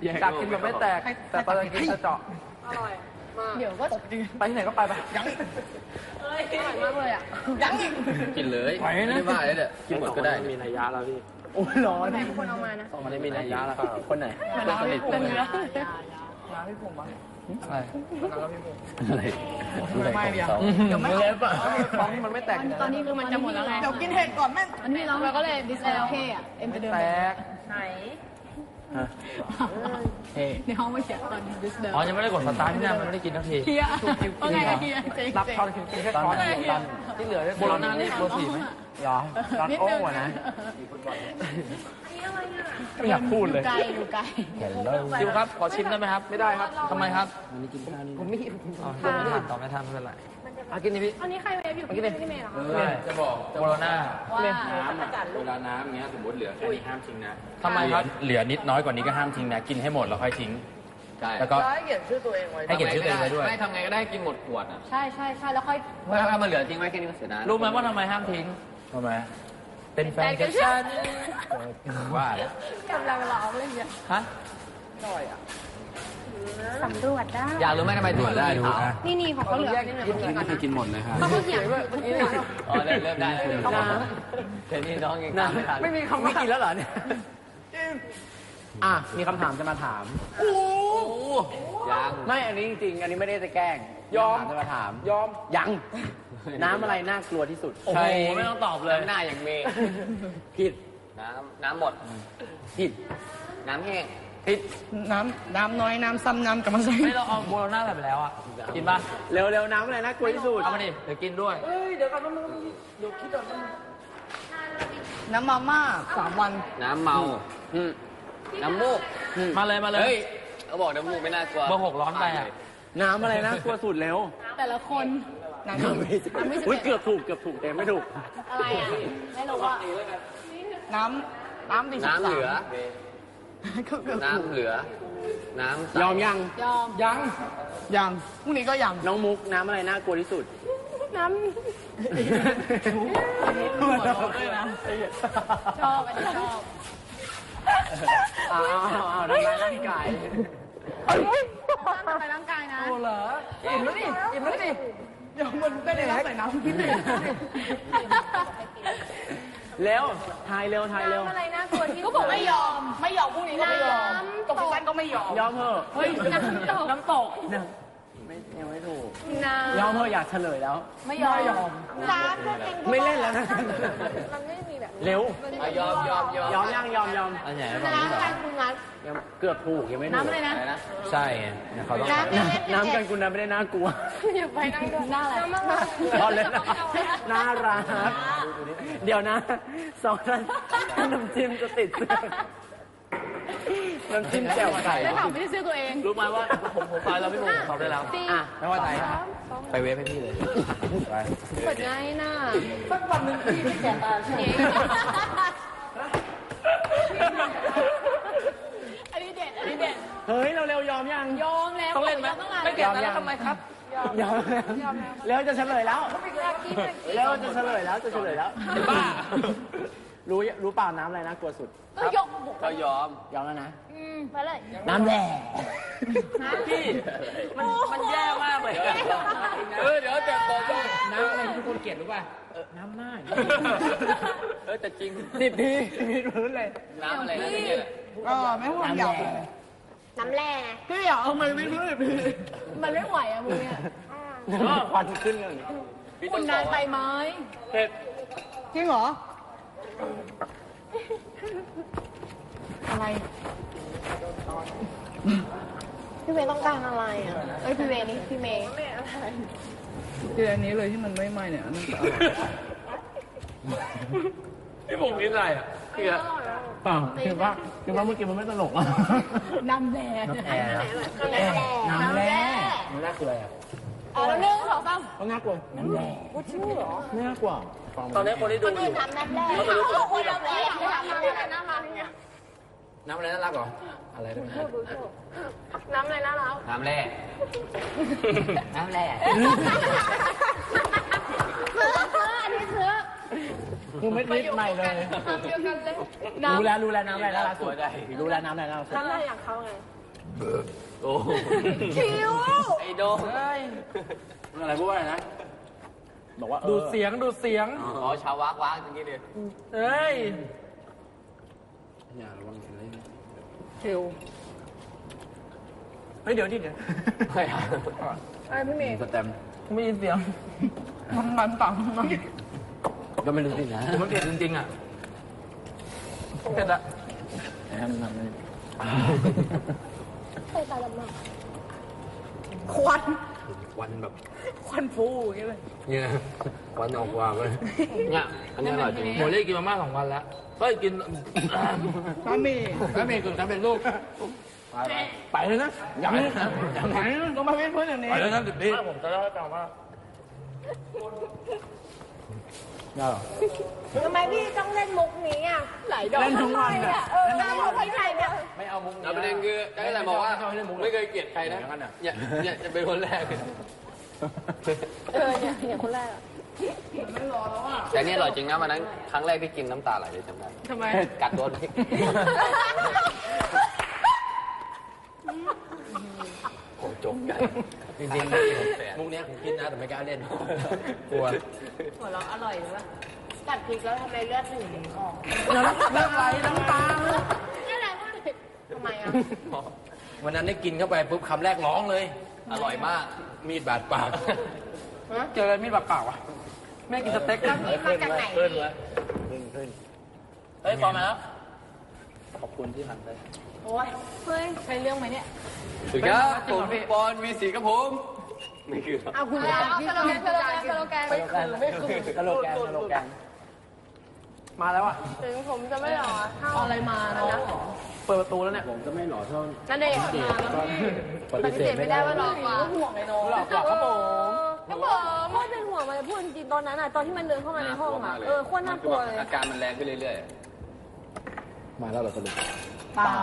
อยากกินแบบไม่แตกแต่ตอนกินจะเจาะอร่อยมากเดี๋ยวก็ไปที่ไหนก็ไปยังอร่อยมากเลยอ่ะยังอีกกินเลยไม่ได้ว่าเลยเนี่ยกินหมดก็ได้มีนัยยะแล้วพี่โอ้ร้อนใครเป็นคนเอามานะมันได้มีนัยยะแล้วคนไหนสนิทผมน้ำพี่ผมมั้งอะไรอะไรไม่เดียวเดี๋ยวไม่เล็บอ่ะฟองมันไม่แตกตอนนี้คือมันจะหมดแล้วไงเดี๋ยวกินเห็ดก่อนแม่อันนี้เราก็เลยดิสโอเคอ่ะเอ็มจะเดินแตกไหนในห้องไม่เขียนตอนดิสเดินอ๋อยังไม่ได้กดสตาร์ทที่นั่นมันไม่ได้กินทันทีเฮียว่าไงเฮียรับช้อนกินแค่ช้อนที่เหลือโบราณนี่โบสีไหมหรอร้อนโอ้วนะไม่อยากพูดเลยอยู่ไกลจิวครับขอชิมได้ไหมครับไม่ได้ครับทำไมครับผมไม่ทานต่อไม่ทานไม่เป็นไรกินนี่พี่อันนี้ใครเวฟอยู่พี่เมย์เหรอจะบอกโบราณว่าเวลาน้ำเงี้ยสมมติเหลือแค่นี้ห้ามทิ้งนะทำไมครับเหลือนิดน้อยกว่านี้ก็ห้ามทิ้งนะกินให้หมดแล้วค่อยทิ้งแล้วก็ให้เขียนชื่อตัวเองไว้ให้เขียนชื่อตัวเองไว้ด้วยไม่ทำไงก็ได้กินหมดขวดอ่ะใช่แล้วค่อยถ้ามันเหลือทิ้งไว้แค่นี้ก็เสียดายรู้ไหมว่าทำไมห้ามทิ้งทำไมเป็นแฟนกับฉันว่าแล้วกำลังร้องเลยเนี่ยฮะอร่อยอ่ะสำรวจได้อยากรู้ไหมทำไมตรวจได้ดูนี่ของเขาเหลือกินหมดเลยครับเขาเขียนอ๋อเริ่มได้เดี๋ยวนี้น้องยังไม่มีคำว่ากินแล้วเหรอเนี่ยมีคำถามจะมาถามยังไม่อันนี้จริงๆอันนี้ไม่ได้จะแกล้งยอมจะมาถามยอมยังน้ำอะไรน่ากลัวที่สุดโอ้โหไม่ต้องตอบเลยหน้าอย่างเมย์ผิดน้ำหมดผิดน้ำแห้งผิดน้ำน้อยน้ำซ้ำน้ำกับมาใส่ไม่เราเอาโบโลน่าใส่ไปแล้วอ่ะกินป่ะเร็วน้ำอะไรน่ากลัวที่สุดเอามาดิเดี๋ยวกินด้วยเดี๋ยวก่อนเดี๋ยวคิดก่อนน้ำมาม่า3 วันน้ำเมาน้ำมูกมาเลยเฮ้ยเขาบอกน้ำมูกไม่น่ากลัวเบอร์6ร้อนไปอ่ะน้ำอะไรน่ากลัวสุดเร็วแต่ละคนน้ำไม่เกือบถูกแต่ไม่ถูกอะไรอ่ะไม่รู้ว่าน้เหลือน้ำเหลือน้ำยอมยังพรุ่งนี้ก็ยังน้องมุกน้ำอะไรน่ากลัวที่สุดน้ำชอบอันนี้ชอบทำร้ายร่างกายทำร้ายร่างกายนะโอ้เหรออิ่มแล้วดิเดี๋ยวมันไม่ได้รับใส่น้ำพิษเลยเร็วทายเร็วอะไรน่ากลัวที่ก็บอกไม่ยอมพรุ่งนี้ก็ไม่ยอมตกสั้นก็ไม่ยอมเถอะเฮ้ยน้ำตกยังไม่ถูกยอมเถอะอยากเฉลยแล้วไม่ยอมน้ำไม่เล่นแล้วนะมันไม่มีแบบเร็วยอมอันไหนน้ำกันคุณนัทเกือบถูกยังไม่ถูกน้ำอะไรนะใช่เขาต้องน้ำกันคุณนัทไม่ได้น่ากลัวอย่าไปนั่งดูหน้าอะไรพอเลยน่ารักเดี๋ยวนะ2 ท่านน้ำจิ้มจะติดน้ำจิ้มแจ่วไก่ได้ถามไม่ได้ซื้อตัวเองรู้ไหมว่าผมไปแล้วพี่หนุ่มเขาได้แล้วไม่ว่าใจไปเวฟให้พี่เลยไปเปิดง่ายน่ะสักวันหนึ่งพี่ไม่แก่ตาใช่ไหมอันนี้เด็ดเฮ้ยเราเร็วยอมยังแล้วต้องเล่นไหมไม่แก่ตาแล้วทำไมครับยอมแล้วจะเฉลยแล้วจะเฉลยแล้วบ้ารู้เปล่าน้ำอะไรนะกลัวสุดก็ยอมแล้วนะไปเลยน้ำแร่พี่มันแย่มากเลยเดี๋ยวแต่บอกน้ำอะไรที่ทุกคนเกลียดรู้ป่ะน้ำหน้าแต่จริง 10 ทีมีพื้นเลยน้ำอะไรนะเนี่ยไม่ห่วงหยอกน้ำแร่พี่อยากเอามันไม่พื้นพี่มันไม่ไหวอะมึงเนี่ยควันขึ้นเลยคุณนานไปไหมเผ็ดจริงเหรออะไรพี่เมย์ต้องการอะไรอ่ะพี่เมย์นี่พี่เมย์คืออันนี้เลยที่มันไม่ไหม้เนี่ยนั่นจะอร่อยพี่ผมกินอะไรอ่ะคือคือว่าเมื่อกี้มันไม่ตลกอ่ะน้ำแร่น้ำแร่คืออะไรอ่ะแล้ว1 2 3 ต้องน่ากลัวน้ำแร่ชื่อเหรอน่ากลัวตอนนี้คนที่ดูอยู่น้ำแร่คนน้ำแร่น้ำอะไรน่ารักเหรออะไรด้วยน้ำอะไรน่ารักน้ำแร่อันนี้เสือคือไม่คิดใหม่เลยรู้แล้วน้ำอะไรน่ารักสุดรู้แล้วน้ำอะไรน่ารักสุดน้ำอะไรอย่างเขาไงโอ้คิวไอโดเฮ้ยอะไรพูดว่าอะไรนะ บอกว่าดูดเสียงดูดเสียงอ๋อชาววักอย่างงี้ดิเฮ้ยอย่าระวังอะไรคิวเฮ้ยเดี๋ยวดิเดี๋ยวไม่เอาไอ้พี่เมย์สแตมไม่ยินเสียงมันต่ำมันก็ไม่รู้สินะมันเผ็ดจริงๆอ่ะเผ็ดอะให้มันทำเลยใส่ตาดำมากควันวันแบบควันฟูอย่างเงี้ยเลยเนี่ยวันออกว่าเลยเนี่ยอันนี้อร่อยจริงโมเล่กินมาม่า2 วันแล้วเฮ้ยกินบะหมี่แล้วเมย์กึ่งทำเป็นลูกไปเลยนะยังยังไหนต้องมาเป็นเพื่อนอย่างนี้ไปเลยนะดิบดีผมจะเล่าให้ฟังว่าได้หรอทำไมพี่ต้องเล่นมุกนี้อ่ะหลายดอกเล่นทั้งวันอ่ะอ่ะเล่นมุกไม่ใช่เนี่ยไม่เอามุกแล้วประเด็นคือได้อะไรบอกว่าไม่เคยเกลียดใครนะเนี่ยจะเป็นคนแรกเนี่ยคนแรกอ่ะแต่นี่อร่อยจริงนะวันนั้นครั้งแรกที่กินน้ำตาไหลเลยจำได้ทำไมกัดโดนพริกโอ้จบกันจริงๆมุกเนี้ยผมคิดนะแต่ไม่กล้าเล่นกลัวหัวเราะอร่อยเลยป่ะกัดพริกแล้วทำไมเลือดถึงออกเรื่องไรน้ำตานี่แหละทำไมอ่ะวันนั้นได้กินเข้าไปปุ๊บคำแรกร้องเลยอร่อยมากมีดบาดปากเจออะไรมีดเปล่าๆอ่ะแม่กินสเต็กแล้วนี่มาจากไหนขึ้นนี่วะขึ้นเฮ้ยพอมาแล้วขอบคุณที่ทำได้โอ้ยเฮ้ยใช่เรื่องไหมเนี่ยสวัสดีครับผมปอนวีสีกับผมไม่คือเอาคุณยายสโลแกนไม่คือไม่คือสโลแกนมาแล้วอ่ะถึงผมจะไม่หล่อเอาอะไรมานะเปิดประตูแล้วเนี่ยผมก็ไม่หล่อเท่านั่นเองปฏิเสธไม่ได้ว่าหล่อกว่าห่วงไอ้น้องหลอกหลอกครับผมก็บอกพ่อเป็นห่วงมันพูดจริงตอนนั้นอ่ะตอนที่มันเดินเข้ามาในห้องอ่ะโคตรน่ากลัวเลยอาการมันแรงขึ้นเรื่อยมาแล้วเหรอสรุปเปล่า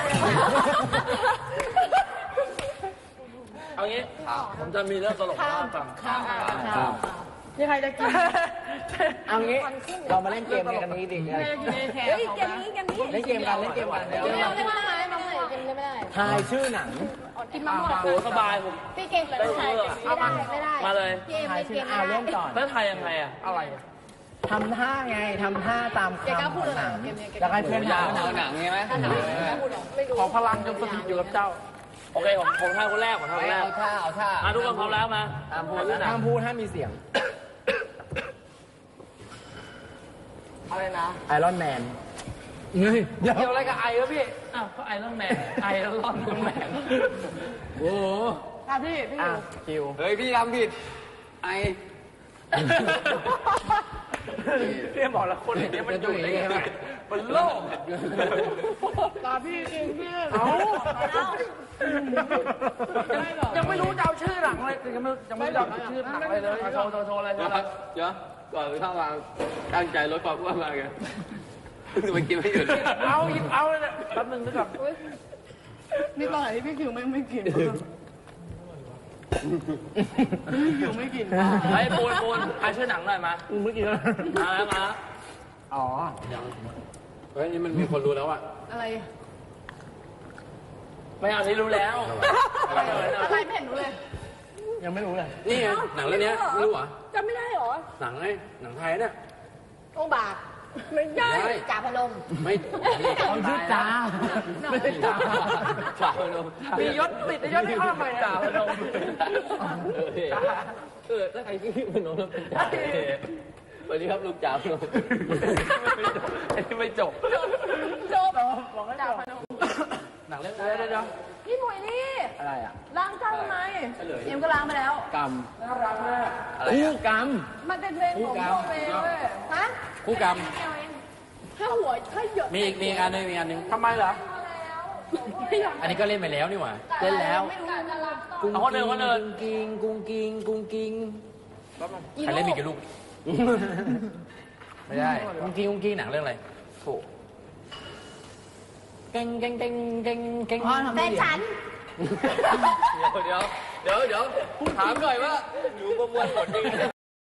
เอางี้ผมจะมีเรื่องตลกมาฟังข้าวนี่ใครจะกินเอางี้เรามาเล่นเกมกันนี้ดิเฮ้ยเกมนี้เล่นเกมกันเล่นเกมกันเกมไม่ได้น้องไหนเกมไม่ได้ทายชื่อหนังกินมะม่วงโหสบายผมพี่เกมกับไทยไม่ได้มาเลยเกมเกมเล่นก่อนแล้วไทยยังไงอ่ะอะไรทำท่าไงทำท่าตามเกมคำก็พูดหหนันังงเกมนี้จะให้เพื่อนๆยาถาว มหนังใช่ไหมไม่รู้ขอพลังจงสถิตอยู่กับเจ้า โอเคผมทายคนแรกผมทายคนแรกเอาท่าเอาท่ามาทุกคนพร้อมแล้วมาห้ามพูดห้ามมีเสียงอะไรนะไอรอนแมนเกี่ยวอะไรกับไอวะพี่ อ้าวก็ไอรอนแมน ไอรอนแมนโอ้โหพี่คิวเฮ้ยพี่ทำผิดไอพี่บอกแล้วคนอย่างนี้มันอยู่ได้ไงมันโลกตาพี่จริงพี่เอายังไม่รู้จะเอาชื่อหนังเลยยังไม่รู้จะเอาชื่อหนังอะไรเลยโชว์อะไรโชว์อะไรเดี๋ยวก่อนเข้ามาตั้งใจลดความอ้วนมาไงมันกินไม่หยุดเอาหยิบเอาเลยเนี่ยแป๊บนึงนึกก่อนนี่ตอนไหนที่พี่คิวไม่กินพี่คิวไม่กินไอ้ปูนใครชื่อหนังหน่อยมาเมื่อกี้มาแล้วมาอ๋อเฮ้ยนี่มันมีคนรู้แล้วอ่ะอะไรไม่เอาที่รู้แล้วอะไรไม่เห็นรู้เลยยังไม่รู้เลยนี่ไงหนังเรื่องนี้ไม่รู้เหรอจำไม่ได้หรอหนังไงหนังไทยเนี่ยองบากไม่ได้จ่าพนมไม่เขาชื่อจ้าไม่ใช่จ้าจ่าพนมมียศติดในยศที่เขาทำไมจ่าพนมถ้าใครชื่อพนมแล้วเป็นจ่าสวัสดีครับลูกจ่าพนมไอ้ที่ไม่จบจบจ่าพนมหนังเรื่องเดี๋ยวพี่หมวยนี่อะไรอ่ะล้างจานทำไมเอ็มก็ล้างไปแล้วกรรมอะไรคู่อ่ะกรรมมันเป็นเพลงของพ่อเมย์เว้ยฮะคู่กรรมถ้าหัวถ้าเยอะมีอีกอันนึงมีอันนึงทำไมเหรออันนี้ก็เล่นไปแล้วนี่หว่าเล่นแล้วไม่รู้จะรับต่อกุ้งเอาคนอื่นกุ้งกิ้งใครเล่นมีกี่ลูกไม่ได้กุ้งกิ้งหนังเรื่องอะไรโถเก่งแฟนฉันเดี๋ยวถามหน่อยว่าหนูประมวลผลยังไง